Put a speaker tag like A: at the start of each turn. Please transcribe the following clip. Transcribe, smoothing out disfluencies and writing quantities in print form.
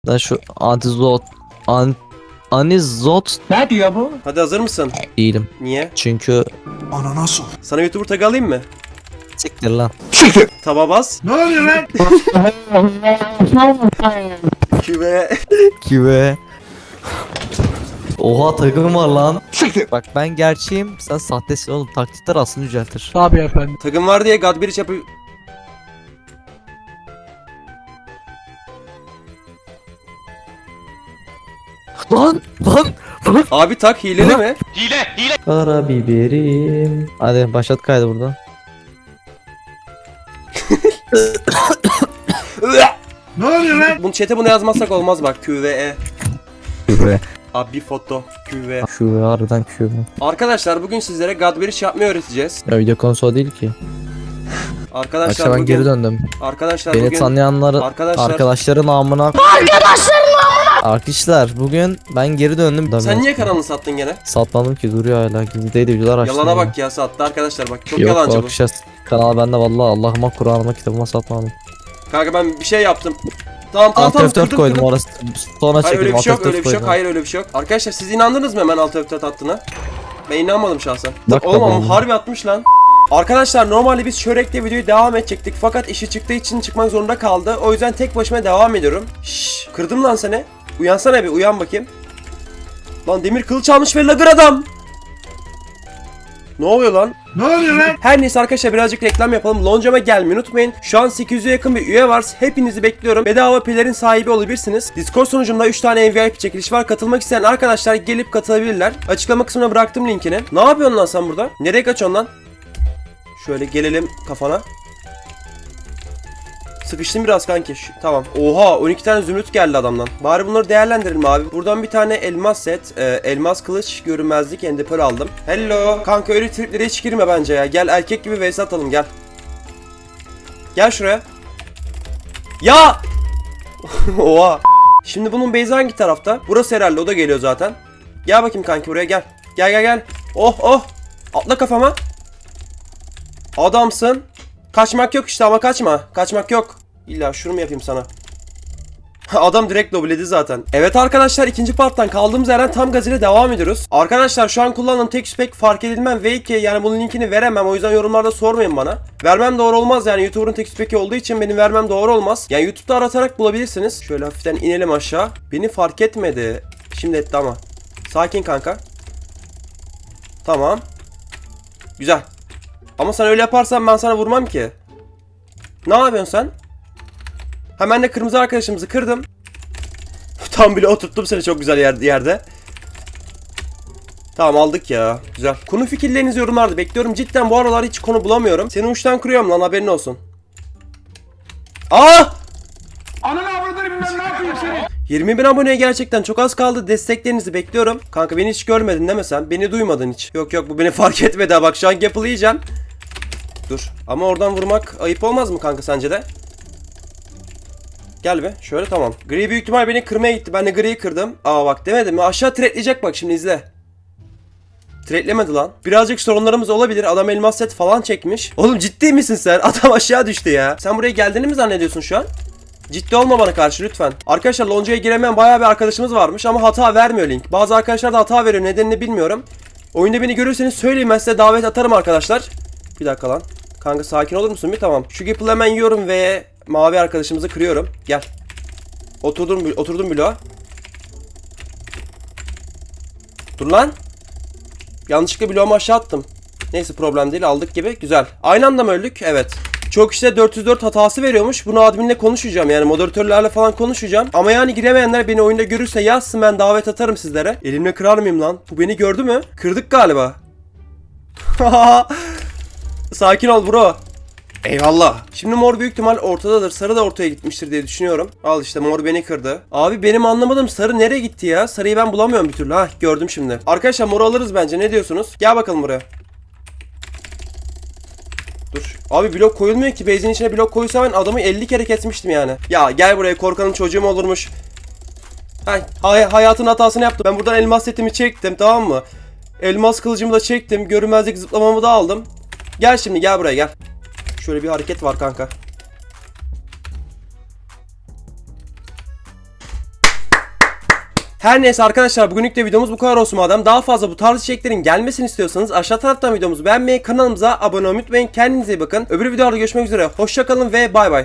A: Da şu antizot anizot
B: Ne diyor bu?
C: Hadi hazır mısın?
A: değilim.
C: Niye?
A: Çünkü
D: Ananasıl.
C: Sana YouTuber tag alayım mı?
A: siktir lan.
C: Taba bas.
D: Ne oluyor lan?
C: Küve.
A: Kive. Oha takım var lan.
D: Siktir.
A: Bak ben gerçeğim, sen sahtesin oğlum. Taklitler aslında yüceltir.
B: Tabii efendim.
C: Tagım var diye Godbridge yapıyor.
A: Lan lan.
C: Abi tak hileli mi?
A: Karabiberim. Hadi başlat kaydı buradan.
D: Ne oluyor lan?
C: Bunu chat'e bunu yazmazsak olmaz bak. QVE.
A: Küve.
C: Abi bir foto. QVE.
A: Küve harbiden küve.
C: Arkadaşlar bugün sizlere Godbridge yapmayı öğreteceğiz.
A: Ya video konusu değil ki.
C: Arkadaşlar
A: Akşam ben
C: bugün...
A: geri döndüm.
C: Arkadaşlar
A: Beni
C: bugün...
A: tanıyanları
C: Arkadaşlar...
A: arkadaşların amına. Arkadaşlar bugün ben geri döndüm.
C: Sen niye kanalını sattın gene?
A: Satmadım ki, duruyor hala. Gizlideydi videolar açtım.
C: Yalana
A: ya.
C: bak ya, sattı arkadaşlar bak. Çok
A: Yok
C: yalancı bu.
A: arkadaşlar, kanal bende vallahi, Allah'ıma Kur'an'ıma kitabıma satmadım.
C: Kanka ben bir şey yaptım. Tamam
A: Alt F4
C: kırdım,
A: koydum
C: kırdım.
A: orası. Sonra
C: Hayır öyle
A: çekildim.
C: bir şey yok,
A: Alt F4
C: öyle bir şey yok.
A: koydum.
C: Hayır öyle bir şey yok. Arkadaşlar siz inandınız mı hemen Alt F4 attığına? Ben inanmadım şahsen.
A: Bak
C: Oğlum
A: bakalım.
C: harbi atmış lan. Arkadaşlar normalde biz Şörek'te videoyu devam edecektik fakat işi çıktığı için çıkmak zorunda kaldı. O yüzden tek başıma devam ediyorum. Şşş, kırdım lan seni. Uyansana bir, uyan bakayım. Lan demir kılıç almış ve lagır adam. Ne oluyor lan?
D: Ne oluyor lan?
C: Her neyse arkadaşlar birazcık reklam yapalım. Loncama gelmeyi unutmayın. Şu an 800'e yakın bir üye var. Hepinizi bekliyorum. Bedava pelerin sahibi olabilirsiniz. Discord sunucumda 3 tane VIP çekiliş var. Katılmak isteyen arkadaşlar gelip katılabilirler. Açıklama kısmına bıraktım linkini. Ne yapıyorsun lan sen burada? Nereye kaçıyorsun lan? Şöyle gelelim kafana. Sıkıştım biraz kanki. Tamam. Oha 12 tane zümrüt geldi adamdan. Bari bunları değerlendirelim abi. Buradan bir tane elmas set. Elmas kılıç, görünmezlik, endepör aldım. Hello. Kanka öyle triplere hiç girme bence ya. Gel erkek gibi vs atalım gel. Gel şuraya. Ya! Oha. Şimdi bunun base'i hangi tarafta? Burası herhalde, o da geliyor zaten. Gel bakayım kanki buraya gel. Gel gel gel. Oh oh. Atla kafama. Adamsın. Kaçmak yok işte ama kaçma. Kaçmak yok. İlla şunu mu yapayım sana? Adam direkt lobledi zaten. Evet arkadaşlar, ikinci parttan kaldığımız yerden tam gaz ile devam ediyoruz. Arkadaşlar şu an kullandığım tek spek fark edilmem V2, yani bunun linkini veremem, o yüzden yorumlarda sormayın bana. Vermem doğru olmaz, yani YouTuber'ın tek speki olduğu için benim vermem doğru olmaz. Yani YouTube'da aratarak bulabilirsiniz. Şöyle hafiften inelim aşağı. Beni fark etmedi. Şimdi etti ama. Sakin kanka. Tamam. Güzel. Ama sen öyle yaparsan ben sana vurmam ki. Ne yapıyorsun sen? Hemen de kırmızı arkadaşımızı kırdım. Tam bile oturttum seni çok güzel yerde. Tamam aldık ya. Güzel. Konu fikirlerinizi yorumlarda bekliyorum. Cidden bu aralar hiç konu bulamıyorum. Seni uçtan kırıyorum lan, haberin olsun. Aa!
D: Ananı avradını bilmem ne yapayım seni.
C: 20.000 aboneye gerçekten çok az kaldı. Desteklerinizi bekliyorum. Kanka beni hiç görmedin değil mi sen? Beni duymadın hiç. Yok yok, bu beni fark etmedi ha. Bak şu an Gapple'ı yiyeceğim. Dur. Ama oradan vurmak ayıp olmaz mı kanka sence de? Gel be. Şöyle tamam. Gri büyük ihtimal beni kırmaya gitti. Ben de griyi kırdım. Aa bak demedim mi? Aşağı tretleyecek bak, şimdi izle. Tretlemedi lan. Birazcık sorunlarımız olabilir. Adam elmas set falan çekmiş. Oğlum ciddi misin sen? Adam aşağı düştü ya. Sen buraya geldiğini mi zannediyorsun şu an? Ciddi olma bana karşı lütfen. Arkadaşlar loncaya giremeyen bayağı bir arkadaşımız varmış ama hata vermiyor link. Bazı arkadaşlar da hata veriyor. Nedenini bilmiyorum. Oyunda beni görürseniz söyleyin, ben size davet atarım arkadaşlar. Bir dakika lan. Kanka sakin olur musun bir? Tamam. Şu Gapple'ı hemen yiyorum ve mavi arkadaşımızı kırıyorum. Gel. Oturdum bloğa. Dur lan. Yanlışlıkla bloğumu aşağı attım. Neyse problem değil, aldık gibi. Güzel. Aynı anda mı öldük? Evet. Çok işte 404 hatası veriyormuş. Bunu adminle konuşacağım, yani moderatörlerle falan konuşacağım. Ama yani giremeyenler beni oyunda görürse yazsın, ben davet atarım sizlere. Elimle kırar mıyım lan? Bu beni gördü mü? Kırdık galiba. Sakin ol bro. Eyvallah. Şimdi mor büyük ihtimal ortadadır. Sarı da ortaya gitmiştir diye düşünüyorum. Al işte, mor beni kırdı. Abi benim anlamadığım sarı nereye gitti ya? Sarıyı ben bulamıyorum bir türlü. Hah, gördüm şimdi. Arkadaşlar moru alırız bence. Ne diyorsunuz? Gel bakalım buraya. Dur. Abi blok koyulmuyor ki. Base'in içine blok koysa ben adamı 50 kere kesmiştim yani. Ya gel buraya, korkanın çocuğu mu olurmuş? Hayatın hatasını yaptım. Ben buradan elmas setimi çektim, tamam mı? Elmas kılıcımı da çektim. Görünmezlik zıplamamı da aldım. Gel şimdi, gel buraya gel. Şöyle bir hareket var kanka. Her neyse arkadaşlar, bugünlük de videomuz bu kadar olsun madem. Daha fazla bu tarz içeriklerin gelmesini istiyorsanız aşağı taraftan videomuzu beğenmeyi, kanalımıza abone olmayı unutmayın. Kendinize iyi bakın. Öbür videolarda görüşmek üzere. Hoşça kalın ve bay bay.